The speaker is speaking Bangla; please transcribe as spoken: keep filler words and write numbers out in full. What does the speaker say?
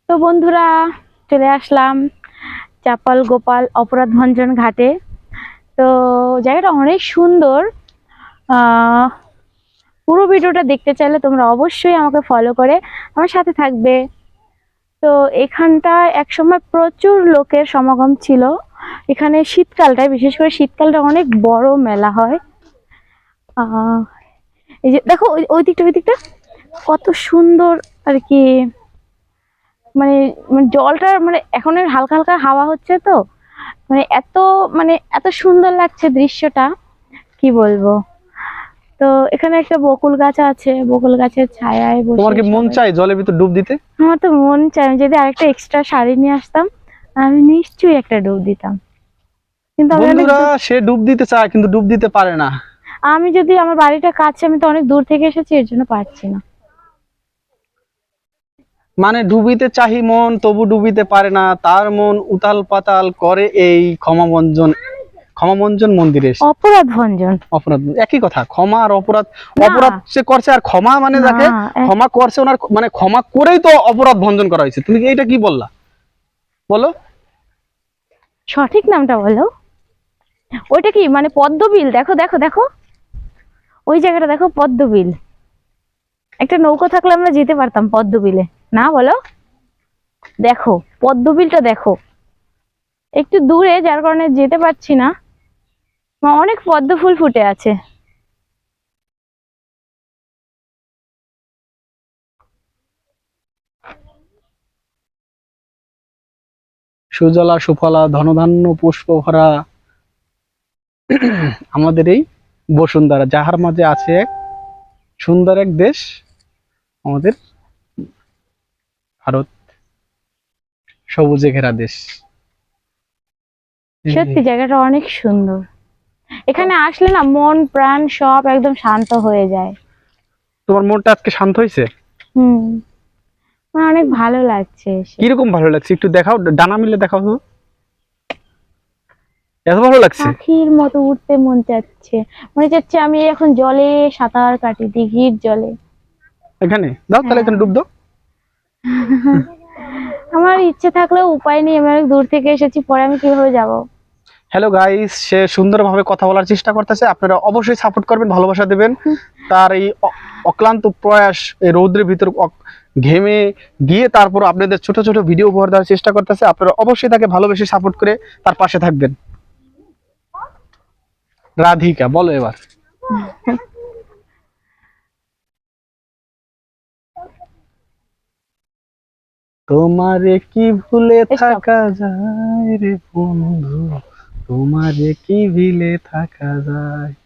তো বন্ধুরা, চলে আসলাম চাপাল গোপাল অপরাধ ভঞ্জন ঘাটে। তো জায়গাটা অনেক সুন্দর। আহ পুরো ভিডিওটা দেখতে চাইলে তোমরা অবশ্যই আমাকে ফলো করে আমার সাথে থাকবে। তো এখানটা একসময় প্রচুর লোকের সমাগম ছিল। এখানে শীতকালটায়, বিশেষ করে শীতকালটা অনেক বড় মেলা হয়। আহ এই যে দেখো, ওই ওই দিকটা ওই দিকটা কত সুন্দর আর কি। মানে মানে জলটা মানে এখন হালকা হালকা হাওয়া হচ্ছে, তো মানে এত মানে এত সুন্দর লাগছে দৃশ্যটা, কি বলবো। তো এখানে একটা বকুল গাছ আছে, বকুল গাছের ছায়ায় বসে। তোমার কি মন চাই জলের ভিতর ডুব দিতে? আমার তো মন চাই, আমি যদি আরেকটা এক্সট্রা শাড়ি নিয়ে আসতাম আমি নিশ্চয়ই একটা ডুব দিতাম। কিন্তু আমি অনেক বন্ধুরা, দূর- সে ডুব দিতে চায় কিন্তু ডুব দিতে পারে না। আমি যদি, আমার বাড়িটা কাছে, আমি তো অনেক দূর থেকে এসেছি, এর জন্য পারছি না। মানে ডুবিতে চাহি মন, তবু ডুবিতে পারে না, তার মন উতাল পাতাল করে এই ক্ষমামঞ্জন ক্ষমামঞ্জন মন্দিরে এসে। অপরাধ ভঞ্জন অপরাধ একই কথা, ক্ষমা আর অপরাধ। না, অপরাধ সে করছে আর ক্ষমা মানে না, যাকে এক- ক্ষমা করছে ওনার মানে ক্ষমা করেই তো অপরাধ ভঞ্জন করা হয়েছে। তুমি এইটা কি বললা বলো? সঠিক নামটা বলো। ওইটা কি মানে পদ্মবিল? দেখো দেখো দেখো, ওই জায়গাটা দেখো, পদ্মবিল। একটা নৌকো থাকলে আমরা যেতে পারতাম পদ্মবিলে, না বলো? দেখো পদ্মবিলটা দেখো, একটু দূরে, যার কারণে যেতে পারছি না। অনেক পদ্ম ফুল ফুটে আছে। সুজলা সুফলা ধনধান্য পুষ্প ভরা আমাদের এই বসুন্ধরা, যাহার মাঝে আছে এক সুন্দর এক দেশ, আমাদের ভারত, সবুজে ঘেরা দেশ। সত্যি জায়গাটা অনেক সুন্দর। এখানে আসলে না মন প্রাণ সব একদম শান্ত হয়ে যায়। তোমার মনটা আজকে শান্ত হয়েছে? হুম, আমার অনেক ভালো লাগছে এসে। কিরকম ভালো লাগছে একটু দেখাও, ডানা মিলে দেখাও তো, এত ভালো লাগছে। পাখির মতো উঠতে মন চাচ্ছে, মনে চাচ্ছে আমি এখন জলে সাঁতার কাটি, দিঘির জলে। এখানে দাও তাহলে, হ্যাঁ, এখানে ডুব দাও। আমার ইচ্ছে থাকলেও উপায় নেই, আমি অনেক দূর থেকে এসেছি, পরে আমি কিভাবে যাব? হ্যালো গাইস, সে সুন্দরভাবে কথা বলার চেষ্টা করতেছে, আপনারা অবশ্যই সাপোর্ট করবেন, ভালোবাসা দেবেন। তার এই অ- অক্লান্ত প্রয়াস, এই রৌদ্রের ভিতর অক- ঘেমে গিয়ে তারপর আপনাদের ছোট ছোট ভিডিও উপহার দেওয়ার চেষ্টা করতেছে। আপনারা অবশ্যই তাকে ভালোবেসে সাপোর্ট করে তার পাশে থাকবেন। রাধিকা বলো এবার। তোমারে কি ভুলে Stop. থাকা যায় রে বন্ধু, তোমারে কি ভুলে থাকা যায়।